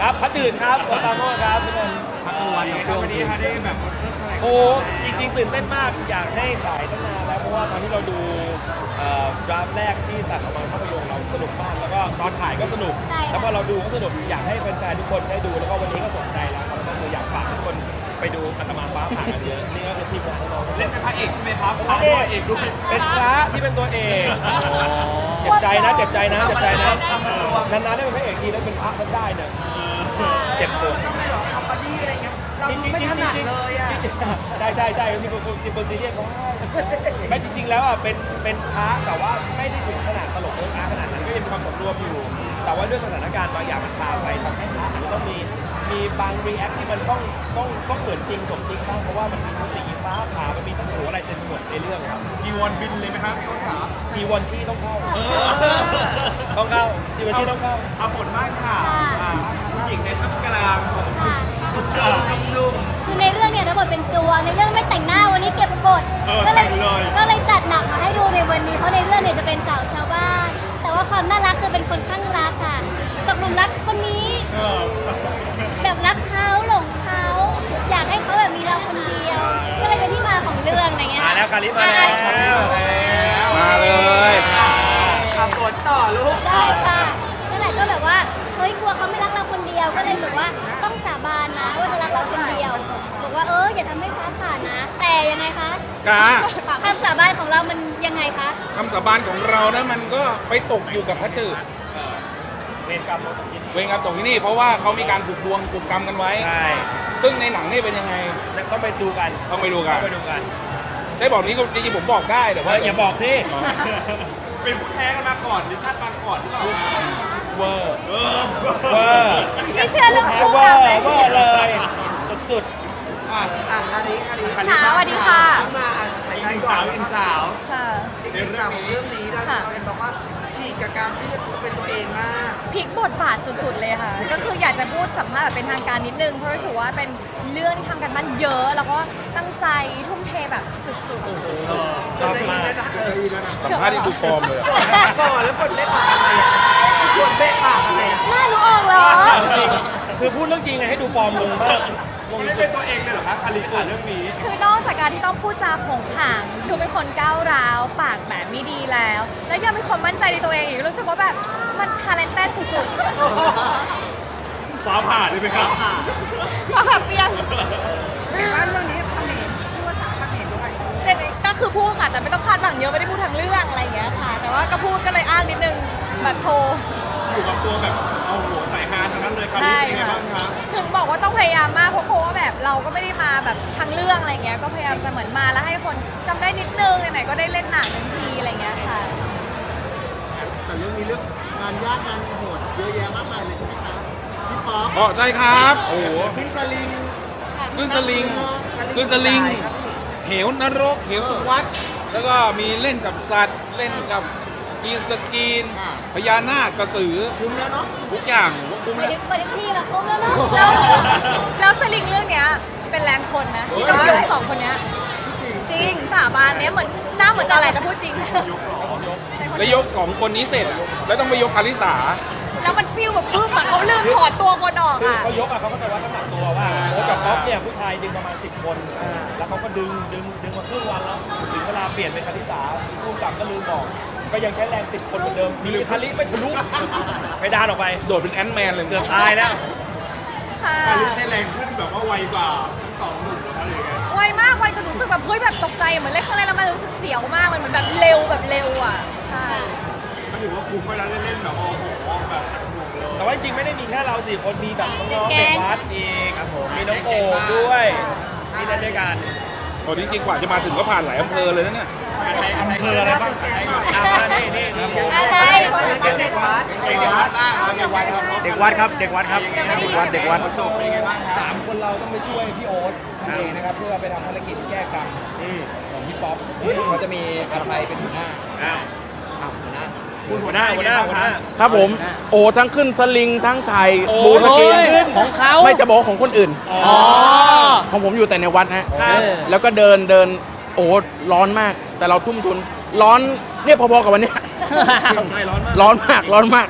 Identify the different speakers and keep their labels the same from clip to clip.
Speaker 1: ครับพระจืดครับโอตาโมครับทุกคนพระตะวันครับวันนี้ได้แบบโอ้จริงๆตื่นเต้นมากอยากให้ฉายตั้งนานแล้วเพราะว่าตอนที่เราดูดราฟแรกที่ตัดออกมาภาพยนตร์เราสนุกมากแล้วก็ตอนถ่ายก็สนุกแล้วพอเราดูก็สนุกอยากให้แฟนๆทุกคนได้ดูแล้วก็วันนี้ก็สนใจแล้วครับก็คืออยากฝากทุกคนไปดูอาตมาฟ้าผ่ากันเยอะนี่ก็คือทีมงานของเราเล่นเป็นพระเอกใช่ไหมครับพระเอกด้วยเป็นพระที่เป็นตัวเอกเจ็บใจนะเจ็บใจนะเจ็บใจนะนานๆได้เป็นพระเอกทีแล้วเป็นพระก็ได้เนี่ยเจ็บตัวทำไมหรอคอมเมดี้อะไรเงี้ยเราดูไม่ถนัดเลยอ่ะใช่ที่เป็นซีเรียสเขาไม่จริงๆแล้วอ่ะเป็นพระแต่ว่าไม่ได้ถึงขนาดตลกเอิ๊กอาร์ขนาดนั้นก็ยังมีความสมรวมอยู่แต่ว่าด้วยสถานการณ์บางอย่างมันพาไปทำให้พระอาจจะต้องมีบางรีแอคที่มันต้องเหมือนจริงสมจริงบ้างเพราะว่ามันมีทั้งตีฟ้าผ่ามันมีทั้งหัวอะไรเต็มหมดในเรื่องครับจีวอนบินเลยไหมครับต้องถามจีวอนชี่ต้องเข้าต้องเข้าจีวอนชี่ต้องเข้าเอาผลมากค่ะผู้หญิงในท่ามกลางนุ่ม
Speaker 2: คือในเรื่องเนี่ยรับบทเป็นจวงในเรื่องไม่แต่งหน้าวันนี้เก็บบทก็เลยจัดหนักมาให้ดูในวันนี้เพราะในเรื่องเนี่ยจะเป็นสาวชาวบ้านแต่ว่าความน่ารักคือเป็นคนข้างรักค่ะตกหลุมรักคนนี้แบบรักเขาหลงเขาอยากให้เขาแบบมีเราคนเดียวก็เลยเป็นที่มาของเรื่องอะไรเงี้ย
Speaker 1: มาแล้วคาริมาแล้ว
Speaker 3: มาเลย
Speaker 1: ขับรถต่อลูก
Speaker 2: ได้ค่ะนั่นแหละก็แบบว่าเฮ้ยกลัวเขาไม่รักเราคนเดียวก็เลยบอกว่าต้องสาบานนะว่าจะรักเราคนเดียวบอกว่าอย่าทำให้ฟ้าผ่านะแต่ยังไงคะคำสาบานของเรามันยังไงคะ
Speaker 3: คำสาบานของเรานะมันก็ไปตกอยู่กับพระจืด
Speaker 1: เวรกรรม
Speaker 3: ตกที่นี่เพราะว่าเขามีการผูกดวงผูกกรรมกันไว้
Speaker 1: ใช่
Speaker 3: ซึ่งในหนังนี่เป็นยังไง
Speaker 1: ต้องไปดูกัน
Speaker 3: ได้บอกนี้จริงๆผมบอกได้แต่ว่า
Speaker 1: อย่าบอกสิเป็นผู้แท้กันมาก่อนหรือชาติมาก่อนที่เราเวอร์
Speaker 2: ไม่เชื่อเรื่องคู่กรรมเลย
Speaker 1: เลยสุด
Speaker 4: คาริ
Speaker 2: สวัสดีค่ะ
Speaker 4: มา
Speaker 1: เป็นสาว
Speaker 2: ค่ะ
Speaker 4: เรื่องของเรื่องนี้เราเห็นบอกว่าฉีกกับการที่จะเป็นตัวเองมาก
Speaker 5: พลิกบทบาทสุดๆเลยค่ะก็คืออยากจะพูดสัมภาษณ์แบบเป็นทางการนิดนึงเพราะรู้สึกว่าเป็นเรื่องที่ทำกันมันเยอะแล้วก็ตั้งใจทุ่มเทแบบสุด
Speaker 1: ชอบมาก
Speaker 3: สัมภาษณ์ที่ดูปลอมเลย
Speaker 4: ก่อนแล้วคนเล่นปากอะไรคนเล่นปากอะไร
Speaker 2: หน้าหนูออกเหรอ
Speaker 1: คือพูดเรื่องจริงไงให้ดูปลอมลงมากไม่เป็นตัวเองเลยเหรอครับคาริสเรื่องนี้
Speaker 5: คือนอกจากการที่ต้องพูดจาโผงผางดูเป็นคนก้าวร้าวปากแบบไม่ดีแล้วยังเป็นคนมั่นใจในตัวเองอีกรู้สึกว่าแบบมันทาเลนเต็ดสุด
Speaker 1: ฟ้าผ่าได้ไหมครับ
Speaker 5: ฟ้าผ่าเปียง
Speaker 4: บ้านเรื่องนี้ทำเองพูดภาษาเขมรด้วย
Speaker 5: ก็คือพูดค่ะแต่ไม่ต้องคาดหวังเยอะไม่ได้พูดทางเรื่องอะไรอย่างเงี้ยค่ะแต่ว่าก็พูดก็เลยอ้างนิดนึงแบบโชว์
Speaker 1: อยู่กับตัวแบบเอาหัวใส่ฮาทั้งนั้นเลยครับเป็นไงบ้างครับ
Speaker 5: ถึงบอกว่าต้องพยายามมากเพราะว่าแบบเราก็ไม่ได้มาแบบทางเรื่องอะไรเงี้ยก็พยายามจะเหมือนมาแล้วให้คนจำได้นิดนึงไหนๆก็ได้เล่นหนังทันทีอะไรเงี้ยค่ะ
Speaker 4: แต่เรื่องนี้เรื่องงานยากงานโหดเยอะแยะมากมายเลยใช่ไหมครับพี่ป๊อป
Speaker 3: ใช่ครับโอ้โห
Speaker 4: ขึ้นสลิง
Speaker 3: เหวนรกเหวสวัสดแล้วก็มีเล่นกับสัตว์เล่นกับกีนสกีนพญานาคกระสือ
Speaker 4: คุ้มแล้วเนาะ
Speaker 3: ทุกอย่างคุ้ม
Speaker 2: แล้วไปได้ที่ละคุ้มแล้วเนาะ
Speaker 5: แล้วสลิงเรื่องเนี้ยเป็นแรงคนนะที่ต้องยก2คนเนี้ยจริงสาบานเนี้ยเหมือนหน้าเหมือนอะไรแต่พูดจริง
Speaker 3: แล้วยก2คนนี้เสร็จแล้วต้องไปยกคาริสา
Speaker 5: แล้วมันฟิวแบบปึ๊บเขาลืมถอดตัวคนออกอ่ะ
Speaker 1: เขายกเขาก็จะวัดน้ำหนักตัวว่าโอ้กับป๊อปเนี่ยผู้ชายดึงประมาณ10 คนแล้วเขาก็ดึงมาครึ่งวันแล้วถึงเวลาเปลี่ยนเป็นคาริสาผู้กำกับก็ลืมบอกก็ยังใช้แรง10 คนเหมือนเดิมมีคาริไม่ทะลุไปดานออกไป
Speaker 3: โดดเป็นแอนด์แมนเลย
Speaker 1: เกือบตายแล้ว
Speaker 5: คาริ
Speaker 1: ใช้แรงขึ้นแบบว่าไวกว่า2 หนุ่มหรืออะไรอย่างเงี้ย
Speaker 5: ไวมากไวจนรู้สึกแบบเฮ้ยแบบตกใจเหมือนเล่นข้างในแล้วมันรู้สึกเสียวมากมันเหมือนแบบเร็วอ่ะใช่
Speaker 1: ก็ถือว่าคุ้มไปแล้วเล่นแบบโอ้โหแบบแต่ว่าจริงไม่ได้มีแค่เรา4 คนมีแบบน้องๆเด็กวัดอีกครับผมมีน้องโอ๋ด้วยที่เล่นด้วยกัน
Speaker 3: ตอนนี้จริงกว่าจะมาถึงก็ผ่านหลายอำเภอเลยนะเนี่ย
Speaker 1: อำเภออะไรบ้างนี่
Speaker 4: เด็กวัดครับ
Speaker 1: 3 คนเราต้องไปช่วยพี่โอ๊ตนั่นเองนะครับเพื่อไปทำภารกิจแก้กรรมของพี่ป๊อปเขาจะมีอาชัยเป็นหัวหน้าหัวหน้า
Speaker 3: ครับผมโอ้ทั้งขึ้นสลิงทั้งถ่ายบูสกีน
Speaker 1: ของเขา
Speaker 3: ไม่จะบอกของคนอื่นของผมอยู่แต่ในวัดฮะแล้วก็เดินโอ้ร้อนมากแต่เราทุ่มทุนร้อนเนี่ยพอๆกับวันนี้ร้อนมาก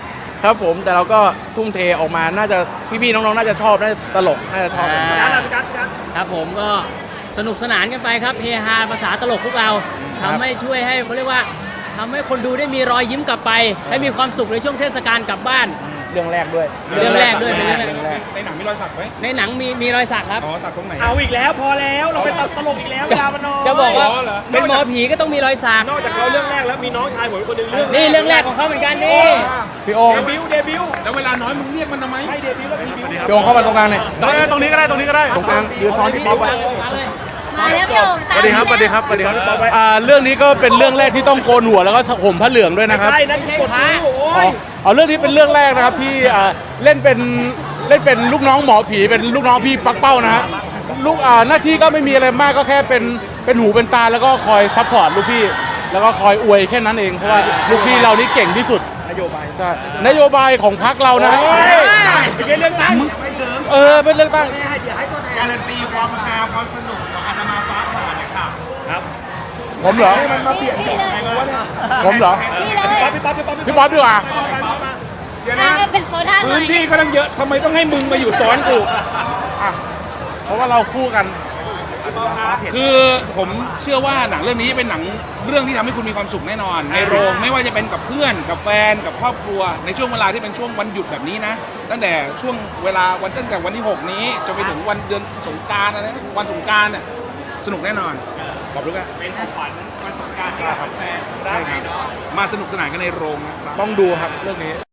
Speaker 6: ครับผมแต่เราก็ทุ่มเทออกมาน่าจะพี่ๆน้องๆน่าจะชอบน่าจะตลกน่าจะชอบกัน
Speaker 7: ครับผมก็สนุกสนานกันไปครับเฮฮาภาษาตลกพวกเราทำให้ช่วยให้เขาเรียกว่าทำให้คนดูได้มีรอยยิ้มกลับไป ให้มีความสุขในช่วงเทศกาลกลับบ้าน
Speaker 6: เรื่องแรกด้วย
Speaker 7: เรื่องแรกด้วยเป็นเรื่องแรก
Speaker 3: ในหนังมีรอยสักไหม
Speaker 7: ในหนังมีรอยสักครับ
Speaker 3: อ๋อสักตรงไหน
Speaker 1: เอาอีกแล้วพอแล้วเราเป็นตลกอีกแล้วเวลามันน้อย
Speaker 7: จะบอกว่า
Speaker 3: อ๋อเหรอ
Speaker 7: เป็นหมอผีก็ต้องมีรอยสัก
Speaker 1: นอกจากเขาเรื่องแรกแล้วมีน้องชายผมอีกคนหนึ่งเรื่อง
Speaker 7: นี่เรื่องแรกของเขาเหมือนกันนี่
Speaker 6: พี่โอม
Speaker 1: เดบิวต์
Speaker 3: แล้วเวลาน้อยมึงเรียกมันทำไม
Speaker 1: ให้เดบิวต์แล้วมีบิวต์
Speaker 6: พี่โอมเข้ามาตรงกลางหน่อย
Speaker 4: ตรงนี้ก็ได้ตรงนี้ก็ได้
Speaker 6: ตรงกลางยืนซ้อนพี่ป๊อปไว้
Speaker 7: มาเลย
Speaker 2: มาแล้วพี่โอม
Speaker 4: สวัสดีครับสวัสดีครับสวัสดีครับเรื่องนี้ก็เป็นเรื่องแรกที่ต้องโกนหัวแล้วก็ห่มผ้าเหลืองด้วยนะครับ
Speaker 1: ใช่นั่นกดดูโอ้
Speaker 4: อ๋อย เอาเรื่องนี้เป็นเรื่องแรกนะครับที่เล่นเป็นลูกน้องหมอผีเป็นลูกน้องพี่ปักเป้านะฮะลูกหน้าที่ก็ไม่มีอะไรมากก็แค่เป็นหูเป็นตาแล้วก็คอยซัพพอร์ตลูกพี่ แล้วก็คอยอวยแค่นั้นเองเพราะว่าลูกพี่เรานี่เก่งที่สุดนโยบายใช่นโยบายของพรรคเรานะฮะ
Speaker 1: เป็นเรื่องตั้ง
Speaker 4: เป็นเรื่องตั้ง
Speaker 3: การันตีความฮาความสนุกของอาตมาฟ้าผ่าเนี่ยค่ะ
Speaker 1: ครับ
Speaker 4: ผมเหรอ
Speaker 2: พี่เลย
Speaker 4: ผมเหรอ
Speaker 2: พี่เลย
Speaker 1: พี่ป๊อป
Speaker 4: พี่ป๊อปดีกว่า
Speaker 2: เป็นโค้ดท่าหน่
Speaker 3: พื้
Speaker 2: อน ย
Speaker 3: ที่ก็ตั้งเยอะทำไมต้องให้มึงมาอยู่ซ้อนกู
Speaker 4: อ่ะเพราะว่าเราคู่กัน
Speaker 3: คือผมเชื่อว่าหนังเรื่องนี้เป็นหนังเรื่องที่ทำให้คุณมีความสุขแน่นอน ในโรงไม่ว่าจะเป็นกับเพื่อนกับแฟนกับครอบครัว ในช่วงเวลาที่เป็นช่วงวันหยุดแบบนี้นะ ตั้งแต่ช่วงเวลาตั้งแต่วันที่ 6 นี้จนไปถึงวันเดือนสงกรานต์อะไรนะวันสงกรานต์เนี่ยสนุกแน่นอนขอบคุณครับเป็นของขวัญวันสงกรานต์ใช่ครับใช่ครับมาสนุกสนานกันในโรงนะครับ
Speaker 4: ต้องดูครับเรื่องนี้